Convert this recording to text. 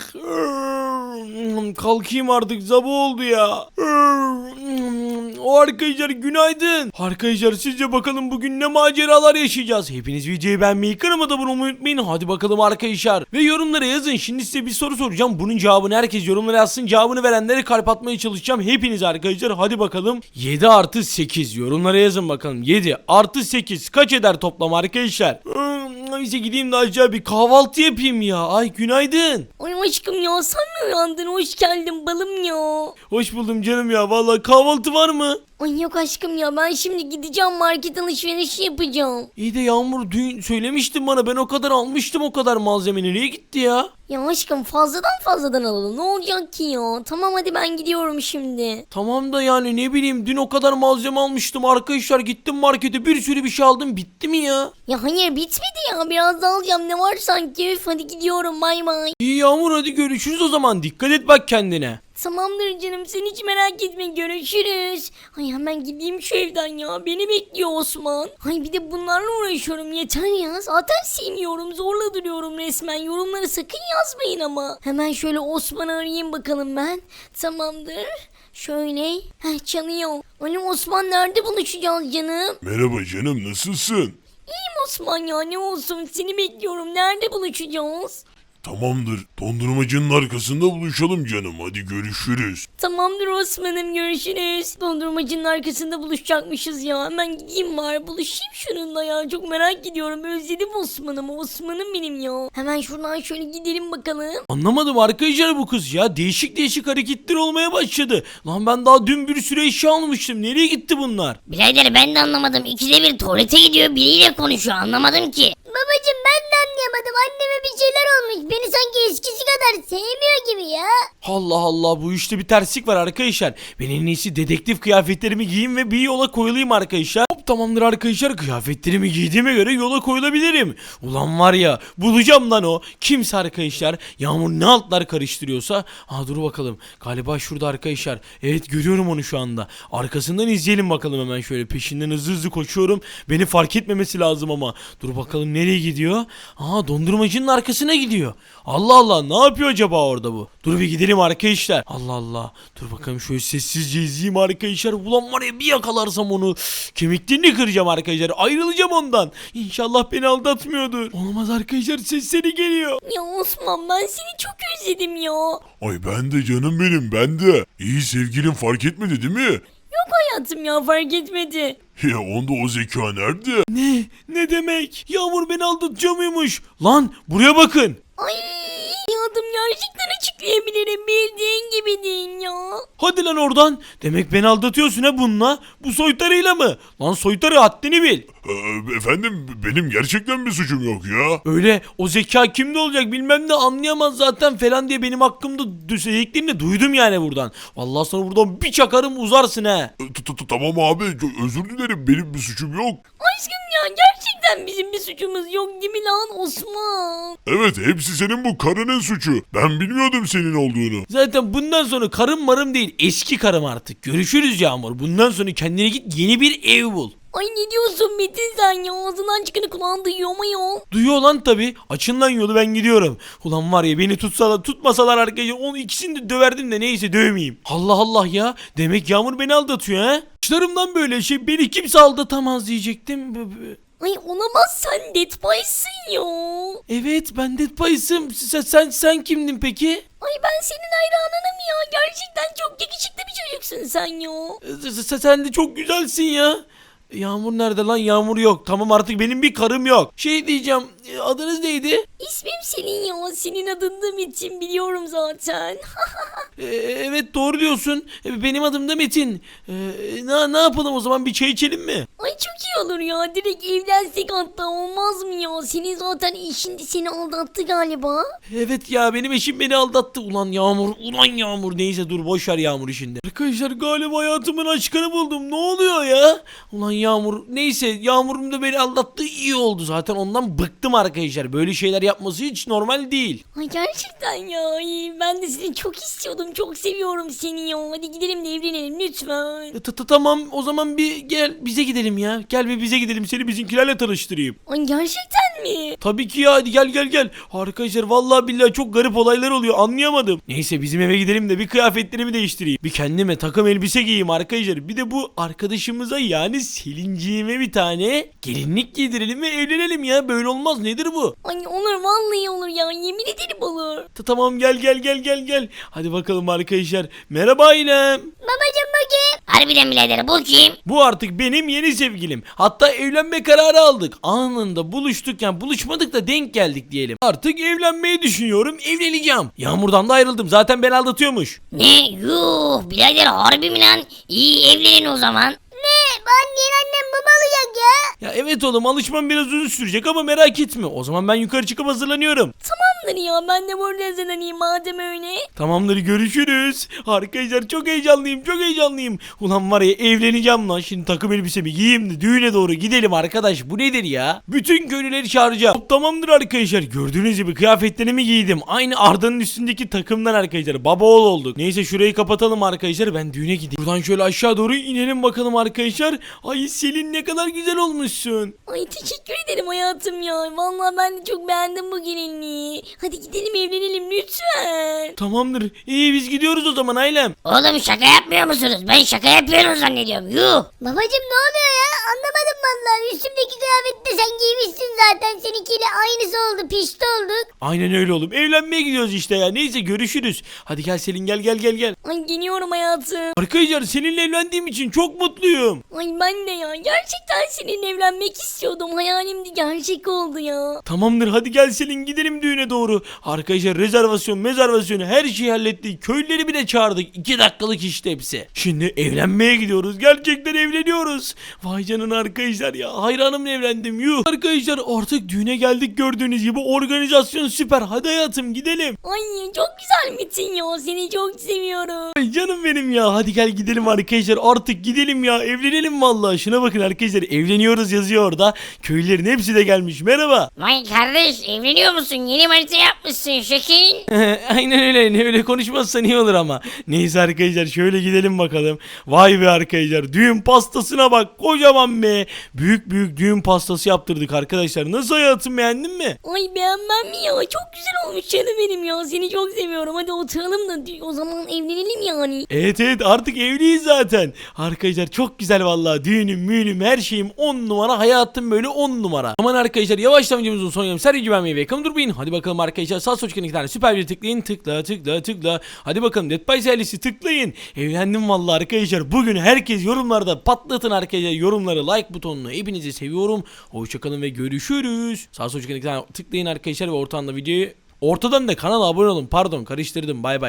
Kalkayım artık, sabah oldu ya. O arkadaşlar günaydın. Arkadaşlar sizce bakalım bugün ne maceralar yaşayacağız? Hepiniz videoyu beğenmeyi, kanalıma da abone olmayı unutmayın. Hadi bakalım arkadaşlar. Ve yorumlara yazın. Şimdi size bir soru soracağım. Bunun cevabını herkes yorumlara yazsın. Cevabını verenlere kalp atmaya çalışacağım. Hepiniz arkadaşlar. Hadi bakalım. 7 artı 8. Yorumlara yazın bakalım. 7 artı 8 kaç eder toplam arkadaşlar? Neyse gideyim de aşağı bir kahvaltı yapayım ya. Ay günaydın. Ay aşkım ya, sen mi uyandın? Hoş geldin balım ya. Hoş buldum canım ya. Vallahi kahvaltı var mı? Ay yok aşkım ya, ben şimdi gideceğim market alışverişi yapacağım. İyi de Yağmur dün söylemiştin bana, ben o kadar almıştım, o kadar malzeme nereye gitti ya? Ya aşkım fazladan alalım, ne olacak ki ya? Tamam hadi ben gidiyorum şimdi. Tamam da yani ne bileyim, dün o kadar malzeme almıştım arkadaşlar, gittim markete bir sürü bir şey aldım, bitti mi ya? Ya hayır bitmedi ya, biraz daha alacağım, ne var sanki. Üf, hadi gidiyorum, bay bay. İyi Yağmur, hadi görüşürüz o zaman, dikkat et bak kendine. Tamamdır canım, sen hiç merak etme, görüşürüz. Ay hemen gideyim şu evden ya, beni bekliyor Osman. Ay bir de bunlarla uğraşıyorum, yeter ya, zaten sevmiyorum, zorla duruyorum resmen. Yorumları sakın yazmayın ama. Hemen şöyle Osman'ı arayayım bakalım ben. Tamamdır. Şöyle. Çalıyor. Alo Osman, nerede buluşacağız canım? Merhaba canım, nasılsın? İyiyim Osman ya, ne olsun, seni bekliyorum, nerede buluşacağız? Tamamdır, dondurmacının arkasında buluşalım canım, hadi görüşürüz. Tamamdır Osman'ım, görüşürüz. Dondurmacının arkasında buluşacakmışız ya. Hemen gideyim var, buluşayım şununla ya. Çok merak ediyorum, özledim Osman'ım benim ya. Hemen şuradan şöyle gidelim bakalım. Anlamadım arkadaşlar, bu kız ya değişik hareketler olmaya başladı. Lan ben daha dün bir sürü eşya almıştım, nereye gitti bunlar? Birader ben de anlamadım. İkide bir tuvalete gidiyor, biriyle konuşuyor, anlamadım ki. Babacım ben de anlayamadım, anneme bir şeyler olmuş. Beni sanki eskisi kadar sevmiyor gibi ya. Allah Allah, bu işte bir terslik var arkadaşlar. Ben en iyisi dedektif kıyafetlerimi giyeyim ve bir yola koyulayım arkadaşlar. Hop, tamamdır arkadaşlar, kıyafetlerimi giydiğime göre yola koyulabilirim. Ulan var ya, bulacağım lan o. Kimse arkadaşlar, Yağmur ne altlar karıştırıyorsa. Dur bakalım, galiba şurada arkadaşlar. Evet, görüyorum onu şu anda. Arkasından izleyelim bakalım, hemen şöyle peşinden hızlı koşuyorum. Beni fark etmemesi lazım ama. Dur bakalım nereye gidiyor? Dondurmacının arkasına gidiyor. Allah Allah, ne yapıyor acaba orada bu? Dur bir gidelim arkadaşlar. Allah Allah. Dur bakalım şöyle sessizce izleyeyim arkadaşlar. Ulan var ya, bir yakalarsam onu kemiklerini kıracağım arkadaşlar. Ayrılacağım ondan. İnşallah beni aldatmıyordur. Olmaz arkadaşlar, sesleri geliyor. Ya Osman, ben seni çok özledim ya. Ay ben de canım benim, ben de. İyi, sevgilin fark etmedi değil mi? Yok hayatım ya, fark etmedi. Ya onda o zeka nerede? Ne demek? Yağmur beni aldatıyor muymuş? Lan buraya bakın. Ay adım gerçekten açıklayabilirim, bildiğin gibi değil ya. Hadi lan oradan. Demek beni aldatıyorsun ha bununla. Bu soytarıyla mı? Lan soytarı, haddini bil. Efendim, benim gerçekten bir suçum yok ya. Öyle o zeka kimde olacak bilmem ne, anlayamaz zaten falan diye benim hakkımda söylediklerini duydum yani buradan. Vallahi sana buradan bir çakarım, uzarsın he. Tamam abi, özür dilerim, benim bir suçum yok. Aşkım ya, gerçekten bizim bir suçumuz yok değil mi lan Osman? Evet, hepsi senin bu karının suçu. Ben bilmiyordum senin olduğunu. Zaten bundan sonra karım marım değil, eski karım artık. Görüşürüz Yağmur. Bundan sonra kendine git, yeni bir ev bul. Ay ne diyorsun Metin sen ya? Ağzından çıkanı kulağın duyuyor mu ya? Duyuyor lan tabi. Açın lan yolu, ben gidiyorum. Ulan var ya, beni tutmasalar arkadaşlar, onu ikisini de döverdim de neyse, dövmeyeyim. Allah Allah ya. Demek Yağmur beni aldatıyor ha. Başlarımdan böyle şey, beni kimse aldatamaz diyecektim. Ay olamaz, sen Dead Boy'sın ya. Evet, ben Dead Pies'ım. Sen kimdin peki? Ay ben senin hayranınım ya. Gerçekten çok yakışıklı bir çocuksun sen ya. Sen de çok güzelsin ya. Yağmur nerede lan? Yağmur yok. Tamam, artık benim bir karım yok. Şey diyeceğim, adınız neydi? İsmim senin ya. Senin adın Metin, biliyorum zaten. Evet, doğru diyorsun. Benim adım da Metin. Ne yapalım o zaman, bir çay içelim mi? Ay çok iyi olur ya. Direkt evlensek hatta, olmaz mı ya? Senin zaten eşin de seni aldattı galiba. Evet ya, benim eşim beni aldattı. Ulan Yağmur. Neyse dur, boş ver Yağmur işinde. Arkadaşlar galiba hayatımın aşkını buldum. Ne oluyor ya? Ulan Yağmur. Neyse Yağmur'un da beni aldattığı iyi oldu. Zaten ondan bıktım arkadaşlar. Böyle şeyler yapması hiç normal değil. Ay gerçekten ya. Ay, ben de seni çok istiyordum. Çok seviyorum seni ya. Hadi gidelim de evlenelim lütfen. Tamam o zaman bir gel bize gidelim ya. Gel bir bize gidelim, seni bizimkilerle tanıştırayım. Ay gerçekten mi? Tabii ki ya, hadi gel. Arkadaşlar vallahi billahi çok garip olaylar oluyor, anlayamadım. Neyse bizim eve gidelim de bir kıyafetlerimi değiştireyim. Bir kendime takım elbise giyeyim arkadaşlar. Bir de bu arkadaşımıza yani Selinciğime bir tane gelinlik giydirelim ve evlenelim ya. Böyle olmaz, nedir bu? Ay olur vallahi olur ya. Yemin ederim olur. Tamam gel. Hadi bakalım arkadaşlar. Merhaba ailem. Babacım bu kim? Harbiden birader bu kim? Bu artık benim yeni sevgilim. Hatta evlenme kararı aldık. Anında buluştuk, yani buluşmadık da denk geldik diyelim. Artık evlenmeyi düşünüyorum, evleneceğim. Yağmur'dan da ayrıldım. Zaten ben aldatıyormuş. Ne? Yuh birader harbi mi lan? İyi evlenin o zaman. Ne? Ben yeni annem baba olacak ya. Ya evet oğlum, alışmam biraz uzun sürecek ama merak etme. O zaman ben yukarı çıkıp hazırlanıyorum. Tamamdır ya. Ben de burada hazırlanayım madem öyle. Tamamdır, görüşürüz. Arkadaşlar çok heyecanlıyım. Ulan var ya, evleneceğim lan. Şimdi takım elbisemi giyeyim de düğüne doğru gidelim arkadaş. Bu nedir ya? Bütün köylüleri çağıracağım. Tamamdır arkadaşlar. Gördüğünüz gibi kıyafetlerimi giydim. Aynı Arda'nın üstündeki takımdan arkadaşlar. Baba oğul olduk. Neyse şurayı kapatalım arkadaşlar. Ben düğüne gideyim. Buradan şöyle aşağı doğru inelim bakalım arkadaşlar. Ay Selin, ne kadar güzel olmuşsun. Ay teşekkür ederim hayatım ya. Vallahi ben de çok beğendim bu gelinliği. Hadi gidelim evlenelim lütfen. Tamamdır. İyi, biz gidiyoruz o zaman ailem. Oğlum şaka yapmıyor musunuz? Ben şaka yapıyorum zannediyorum. Yuh. Babacım ne oluyor ya? Anlamadım vallahi. Üstümdeki kıyafeti de sen giymişsin zaten. Seninkiyle aynısı oldu. Pişti olduk. Aynen öyle oğlum. Evlenmeye gidiyoruz işte ya. Neyse görüşürüz. Hadi gel Selin, gel. Ay geliyorum hayatım. Arkadaşlar seninle evlendiğim için çok mutluyum. Ay ben de ya. Gerçekten seninle evlenmek istiyordum. Hayalimdi gerçek oldu ya. Tamamdır, hadi gel Selin, gidelim düğüne doğru. Arkadaşlar rezervasyonu her şeyi hallettik. Köylüleri bile çağırdık. 2 dakikalık işte hepsi. Şimdi evlenmeye gidiyoruz. Gerçekten evleniyoruz. Vay canına arkadaşlar ya. Hayranımla evlendim. Yuh. Arkadaşlar artık düğüne geldik, gördüğünüz gibi. Organizasyon süper. Hadi hayatım gidelim. Ay çok güzel Metin ya. Seni çok seviyorum. Ay canım benim ya. Hadi gel gidelim arkadaşlar. Artık gidelim ya. Evlenelim vallahi. Şuna bakın arkadaşlar. Evleniyoruz yazıyor orada. Köylülerin hepsi de gelmiş. Merhaba. Vay kardeş evleniyor musun? Yeni manita yapmışsın şekil. Aynen öyle. Ne öyle konuşmazsan iyi olur ama. Neyse arkadaşlar şöyle gidelim bakalım. Vay be arkadaşlar. Düğün pastasına bak. Kocaman be. Büyük düğün pastası yaptırdık arkadaşlar. Nasıl hayatım, beğendin mi? Ay beğenmem mi ya? Çok güzel olmuş canım benim ya. Seni çok seviyorum. Hadi oturalım da o zaman evlenelim yani. Evet artık evliyiz zaten. Arkadaşlar çok güzel vallahi. Düğünüm her şeyim 10 numara. Hayatım böyle 10 numara. Aman arkadaşlar yavaştan videomuzun son yarım. Sergi güvenmeyi ve yakın durmayın. Hadi bakalım arkadaşlar. Sağ sol çıkan 2 tane süper bir tıklayın. Tıkla. Hadi bakalım Dead by Silence'i tıklayın. Evlendim vallahi arkadaşlar. Bugün herkes yorumlarda patlatın arkadaşlar. Yorumları, like butonunu. Hepinizi seviyorum. Hoşçakalın ve görüşürüz. Sağ sol çıkan 2 tane tıklayın arkadaşlar ve ortadan da videoyu. Ortadan da kanala abone olun. Pardon karıştırdım. Bay bay.